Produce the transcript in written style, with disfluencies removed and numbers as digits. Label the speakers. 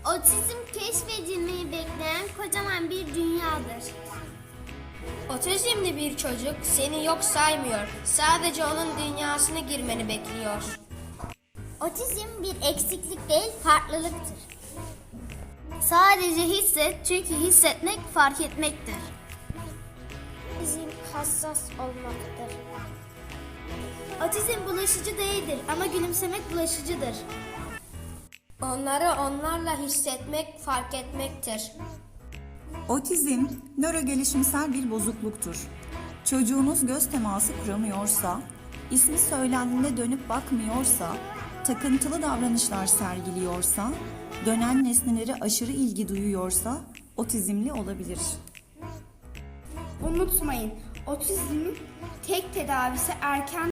Speaker 1: Otizm keşfedilmeyi bekleyen kocaman bir dünyadır.
Speaker 2: Otizmli bir çocuk seni yok saymıyor. Sadece onun dünyasına girmeni bekliyor.
Speaker 1: Otizm bir eksiklik değil, farklılıktır. Sadece hisset, çünkü hissetmek fark etmektir. Otizm hassas olmaktır. Otizm bulaşıcı değildir ama gülümsemek bulaşıcıdır.
Speaker 2: Onları onlarla hissetmek, fark etmektir.
Speaker 3: Otizm, nörogelişimsel bir bozukluktur. Çocuğunuz göz teması kuramıyorsa, ismi söylendiğinde dönüp bakmıyorsa, takıntılı davranışlar sergiliyorsa, dönen nesnelere aşırı ilgi duyuyorsa otizmli olabilir.
Speaker 4: Unutmayın, otizmin tek tedavisi erken